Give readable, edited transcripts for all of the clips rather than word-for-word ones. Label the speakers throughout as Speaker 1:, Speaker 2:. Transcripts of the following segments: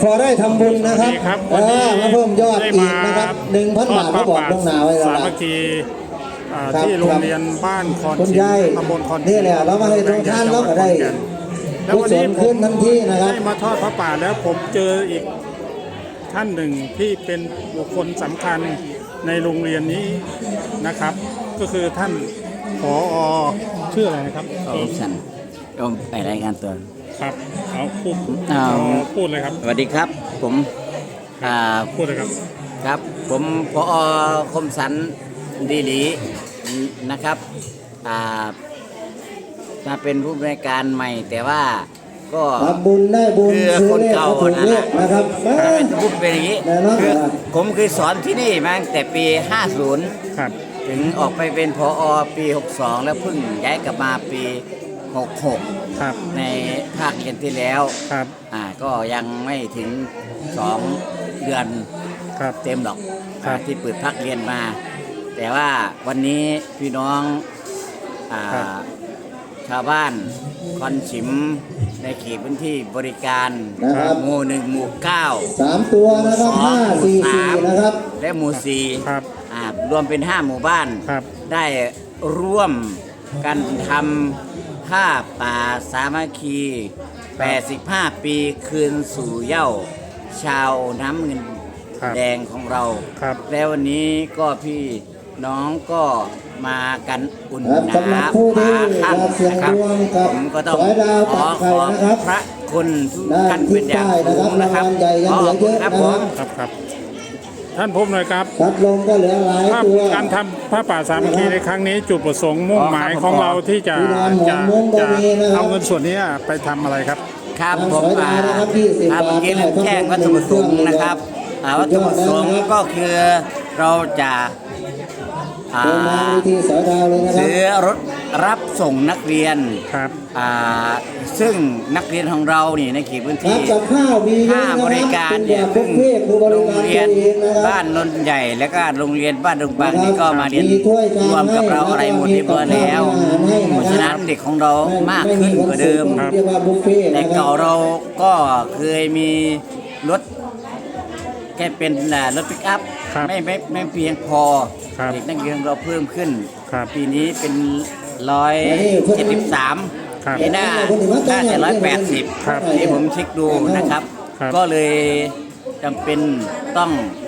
Speaker 1: พอได้ทำบุญนะครับมาเพิ่มยอดอีกนะครับ 1,000 บาทก็บอกล่วงหน้าไว้แล้ว
Speaker 2: สามัคคีที่โรงเรียนบ้านคอนชิมตำบลคอนชิม
Speaker 1: นี่แหละเรามาให้ทุกท่านเราก็ได้
Speaker 2: แล้ววันนี้ผม
Speaker 1: ทันทีนะครับ
Speaker 2: ได้มาทอดพระป่าแล้วผมเจออีกท่านหนึ่งที่เป็นบุคคลสำคัญในโรงเรียนนี้นะครับ ก็คือท่านผอ.ชื่ออะไรนะครับ
Speaker 3: ฉันก็ไปรายงานตัว
Speaker 2: ครับเอาพูดเลยครับ
Speaker 3: สวัสดีครับผม
Speaker 2: พูดเลยครับ
Speaker 3: ครับผมผอ.คมสันดีหลีนะครับมาเป็นผู้บริการใหม่แต่ว่าก็
Speaker 1: ทำบุญได้บุญ
Speaker 3: คือคนเก่า
Speaker 1: นะครับ
Speaker 3: พูดเป็นอย่างนี้คือผมเคยสอนที่นี่มาตั้งแต่ปี 50
Speaker 2: ครับ
Speaker 3: ถึงออกไปเป็นผอ.ปี 62 แล้วเพิ่งย้ายกลับมาปี 66
Speaker 2: ครับ
Speaker 3: ในภาคเรียนที่แล้ว
Speaker 2: ครับ
Speaker 3: ก็ยังไม่ถึง2 เดือน
Speaker 2: ครับ
Speaker 3: เต็มหรอก
Speaker 2: ครับ
Speaker 3: ที่เปิดภาคเรียนมา แต่ว่าวันนี้พี่น้องชาวบ้านคอนฉิมในเขตพื้นที่บริการหมู่ 1 หมู่ 9
Speaker 1: 3 ตัวนะครับ544นะครับ
Speaker 3: และหมู่
Speaker 2: ครับ
Speaker 3: 4รวมเป็น 5 หมู่บ้าน
Speaker 2: ครับ
Speaker 3: ได้ร่วมกันทำผ้าป่าสามัคคี 85 ปีคืนสู่เหย้าชาวน้ำเงิน
Speaker 2: ครับ
Speaker 3: แดงของเรา
Speaker 2: ครับ
Speaker 3: แล้ววันนี้ก็พี่น้องก็มากันอุ่นห
Speaker 1: สำหรั
Speaker 3: นา
Speaker 1: บผู้ที่
Speaker 3: ค่ำ
Speaker 1: เสี่ยง
Speaker 3: นะครับ
Speaker 1: ดวงกับ
Speaker 3: ผมก็ต้อง
Speaker 1: สายดาว
Speaker 3: ข
Speaker 1: ปั
Speaker 3: อก
Speaker 1: ไข่ นะครับ
Speaker 3: พระคุณทุก
Speaker 1: ด้า
Speaker 3: ท่าน น
Speaker 1: ทิ
Speaker 3: เป็
Speaker 1: ศ
Speaker 3: นอย่าง
Speaker 1: ใต้นะ
Speaker 3: สู
Speaker 1: ครับ
Speaker 3: ง
Speaker 1: รา
Speaker 3: นะ
Speaker 1: ง
Speaker 3: ครับ
Speaker 1: วัลใหญ่ยังเหลือเยอะ
Speaker 3: ครับ
Speaker 1: นะ
Speaker 3: ผ
Speaker 1: ค
Speaker 3: ม
Speaker 1: รับ
Speaker 2: ครับท่านผมหน่อยครับ
Speaker 1: พัดลมก็เหลือหลายตัว
Speaker 2: การทำผ้าป่าสามัคคีในครั้งนี้จุดประสงค์มุ่งหมายของเราที่จะเอาเงินส่วนนี้ไปทำอะไรครับ
Speaker 3: ครับผม
Speaker 1: สายดาวนะครับ20
Speaker 3: ครับเมื่อกี้ลืมแจ้งวัตถุประสงค์นะครับวัตถุประสงค์ก็คือเราจะ
Speaker 1: เดินทางวิธีสายดาวเลยนะครับ
Speaker 3: ซื้อรถรับส่งนักเรียน
Speaker 2: ครับ
Speaker 3: ซึ่งนักเรียนของเรานี่ในเขตพื้น
Speaker 1: ครั
Speaker 3: ที่
Speaker 1: บกับข้าวมีเย
Speaker 3: ค่า
Speaker 1: อะนะ
Speaker 3: บ
Speaker 1: ค
Speaker 3: ริ
Speaker 1: รับ
Speaker 3: การ
Speaker 1: เป็นแบ
Speaker 3: เนี่ย
Speaker 1: บบุ
Speaker 3: ซึ่
Speaker 1: ฟ
Speaker 3: ง
Speaker 1: เฟ่ต์ผู้บ
Speaker 3: โร
Speaker 1: ริ
Speaker 3: ง
Speaker 1: การ
Speaker 3: เรีย
Speaker 1: ตั
Speaker 3: น
Speaker 1: วเองนะครับ
Speaker 3: บ้านนนท์ใหญ่และก็โรงเรียนบ้านดงบาง
Speaker 1: นะครับ
Speaker 3: นี่ก็มาเรียน
Speaker 1: มีถ้วยชาม
Speaker 3: รวมกับเรา
Speaker 1: ให้
Speaker 3: อะไรหมดเรียบร้อยแล้ว
Speaker 1: ให้นะครับ
Speaker 3: เพราะฉะนั้นเด็กของเรามากขึ้นกว่าเดิม
Speaker 1: เรียกว่าบุฟเฟ่ต์
Speaker 3: แต่
Speaker 1: นะครั
Speaker 3: เก่า
Speaker 1: บ
Speaker 3: เราก็เคยมีรถแค่เป็นรถปิกอัพ
Speaker 2: ครับ
Speaker 3: ไม่เพียงพอ
Speaker 2: ครับ
Speaker 3: เด็กนักเรียนเราเพิ่มขึ้น
Speaker 2: ครับ
Speaker 3: ปีนี้เป็น 173
Speaker 2: ครับ
Speaker 3: ปีหน้าน่าจะ180
Speaker 2: ครับ
Speaker 3: ที่ผมเช็คดูนะครับ
Speaker 2: ครับ
Speaker 3: ก็เลยจำเป็นต้อง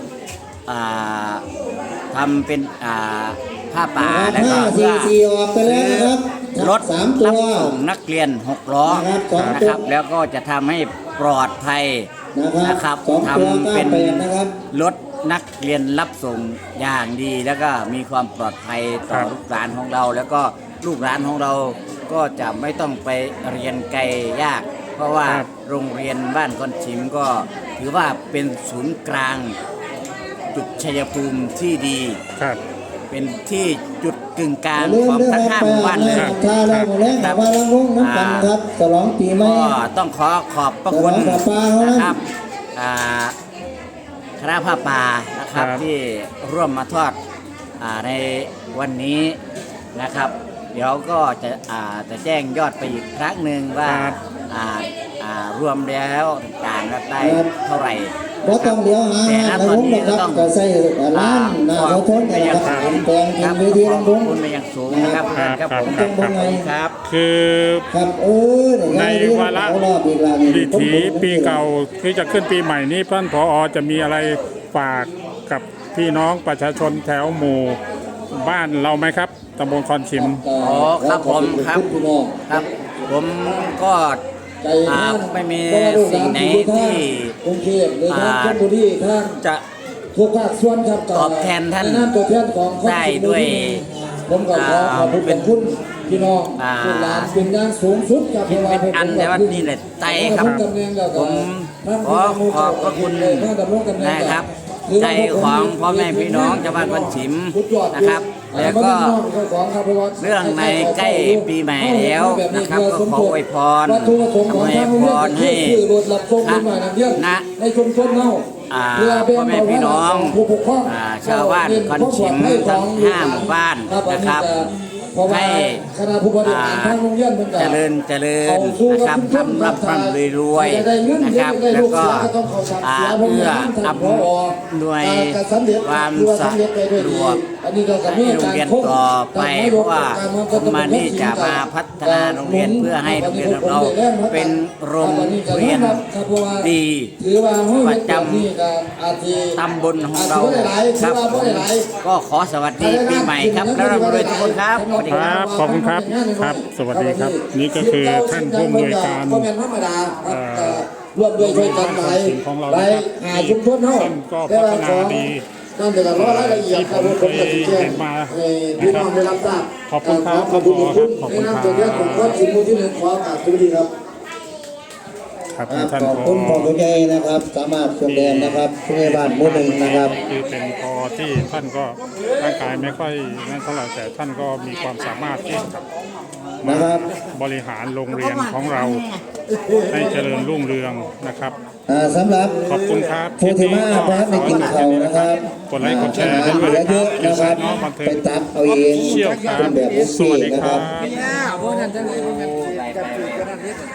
Speaker 3: ทำเป็นผ้าป่าแล้วก็เพื่อ
Speaker 1: 544ออกไปแล้วนะครับ
Speaker 3: รถ
Speaker 1: 3 ตั
Speaker 3: รับ
Speaker 1: ว
Speaker 3: ส่งนักเรียน6 ล้อ
Speaker 1: นะครับสองตัว
Speaker 3: นะครับ แล้วก็จะทำให้ปลอดภัย
Speaker 1: นะครับ
Speaker 3: นะครับ
Speaker 1: 2 ตัว
Speaker 3: ทำเป็น
Speaker 1: 98นะครับ
Speaker 3: รถนักเรียนรับส่งอย่างดี แล้วก็มีความปลอดภัยต่อ
Speaker 2: ครับ
Speaker 3: ลูกหลานของเรา แล้วก็ลูกหลานของเราก็จะไม่ต้องไปเรียนไกลยาก เพราะว่าโรงเรียนบ้านคอนชิมก็ถือว่าเป็นศูนย์กลางจุดชัยภูมิที่ดี
Speaker 2: ครับ
Speaker 3: เป็นที่จุดกึ่งกลาง
Speaker 1: ลืม
Speaker 3: ของ
Speaker 1: ด้วย
Speaker 3: ทั้ง
Speaker 1: ครับ
Speaker 3: 5 หมู่บ้านเลย
Speaker 1: ชาแล้วแรงมาลังวงน้ำกันครับฉลองปีใหม่
Speaker 3: ก็ต้องขอบพระคุณ
Speaker 1: ฉลองผ้าป่าเขานะ
Speaker 3: นะครับคณะผ้าป่านะครับ
Speaker 2: ครับ
Speaker 3: ที่ร่วมมาทอดในวันนี้นะครับ เดี๋ยวก็จะแจ้งยอดไปอีกครั้งหนึ่งว่า
Speaker 2: ครับ
Speaker 3: รวมแล้วต่างกันได้เท่าไหร่
Speaker 1: บ่ต้องเดี๋ยวหา
Speaker 3: แต่ณ
Speaker 1: ใน
Speaker 3: ตอ
Speaker 1: วน ง
Speaker 3: นี้
Speaker 1: นะค
Speaker 3: ก็
Speaker 1: รับ
Speaker 3: ต้อง
Speaker 1: ก็ใส่ร้านหน้าเขาทนกันนะครับ
Speaker 2: ครับ
Speaker 1: แปลง
Speaker 3: ค
Speaker 1: เป็
Speaker 3: รั
Speaker 1: น
Speaker 3: บ
Speaker 1: เวที
Speaker 3: ข
Speaker 1: ลำ
Speaker 3: อบ
Speaker 1: วง
Speaker 3: คุณเป็นอย่างสูงนะครับ
Speaker 2: ครับ
Speaker 3: ครับผม
Speaker 2: ครับ
Speaker 3: ครับ
Speaker 2: คือ
Speaker 1: ครับ
Speaker 2: ในวาระ
Speaker 1: รอบอีกแล้วนี่
Speaker 2: ดิถีปีเก่าที่จะขึ้นปีใหม่นี้ท่านผอ.จะมีอะไรฝากกับพี่น้องประชาชนแถวหมู่บ้านเราไหมครับตำบลคอนชิม
Speaker 3: ครับผมครับ
Speaker 1: พี่น้อง
Speaker 3: ครับ ผมก็
Speaker 1: ใจท่าน
Speaker 3: ไม่มีสิ่งไหนที่
Speaker 1: กรุงเทพหรือทางชลบุรีทาง
Speaker 3: จะ
Speaker 1: ทุกภาคส่วนครับ
Speaker 3: ตอบแทนท่าน
Speaker 1: ใตัวแทนของคน
Speaker 3: ได้ด้วย
Speaker 1: ผมก็ขอขอบคุณพี่น้องลูกหลานเป็นอย่างสูงสุดครับ
Speaker 3: คิดเป็นอันแต่ว่านี่แหละใจครับ ผมขอขอบพระคุณนะครับ ใจของพ่อแม่พี่น้องชาวบ้านคนฉิมนะครับ แล้วก็เรื่องในใกล้ปีใหม่แล้วนะครับก็ขออวยพรอวยพรให้นะ
Speaker 1: ในชุมชนเนา
Speaker 3: พ่อแม่พี่น้องชาวบ้านคอนชิมทั้ง5 หมู่บ้านนะครับ
Speaker 1: เพราะว่า
Speaker 3: ให้
Speaker 1: คณะผู้บริหารทางโรงเรียนเหมือนกัน
Speaker 3: เจริญนะครับทำร่ำรวยนะครับแล้วก็เพื่ออำนวยความสะดวกให้โรงเรียนต่อไปเพราะว่าผมมานี่จะมาพัฒนาโรงเรียนเพื่อให้โรงเรียนของเราเป็นโรงเรียนดีประจำตำบลของเราครับผมก็ขอสวัสดีปีใหม่ครับแล้วเราด้วยทุกคนครับสวัสดี
Speaker 2: ค
Speaker 3: ค
Speaker 2: รั
Speaker 3: รั
Speaker 2: บบ ขอบคุณครับครับ สวัสดีครับ นี่ก็คือท่านผู้อำนวยการ
Speaker 1: ก็เป็นธรรมดาร่วมด้วยช่วยกันไปชุมชนเฮา
Speaker 2: ท่านก็พัฒนาดี
Speaker 1: นั่นเป็นรายละเอียดครับผมก็จะแจ้งพี่น้องได้รับทราบ
Speaker 2: ขอบคุณครับ
Speaker 1: ขอบคุณ
Speaker 2: ขอบคุณ
Speaker 1: ใน
Speaker 2: ครับ
Speaker 1: นามตัวแทนของวัดสิงห์หมู่ที่ 1ขอกราบสวัสดีครับ
Speaker 2: ครับท่าน
Speaker 1: ขอบคุณพ่อคุณยายนะครับ สามารถส่งแดนนะครับผู้ใหญ่บ้านหมู่ 1นะครับ
Speaker 2: คือเป็นพอที่ท่านก็ร่างกายไม่ค่อยนั่นเท่าไหร่แต่ท่านก็มีความสามารถที่จะ
Speaker 1: นะครับ
Speaker 2: บริหารโรงเรียนของเราให้เจริญรุ่งเรืองนะครับ
Speaker 1: สำหรับ
Speaker 2: ขอบคุณครับ
Speaker 1: ผู้ที่มาพระในกินข้าวนะครับ
Speaker 2: กดไลค์กดแชร์ให้ด้วย
Speaker 1: เหลื
Speaker 2: นะ
Speaker 1: อ
Speaker 2: ค
Speaker 1: เย
Speaker 2: รับ
Speaker 1: อะนะครับ
Speaker 2: น้องบันเทิ
Speaker 1: ไป
Speaker 2: ง
Speaker 1: ตักเอาเอง
Speaker 2: เชี่ยวครับ
Speaker 1: เป็นแบบบุฟ
Speaker 2: สวัส
Speaker 1: เฟ่
Speaker 2: ดี
Speaker 1: ต์นะ
Speaker 2: ค
Speaker 1: ค
Speaker 2: รั
Speaker 1: รับ
Speaker 2: บ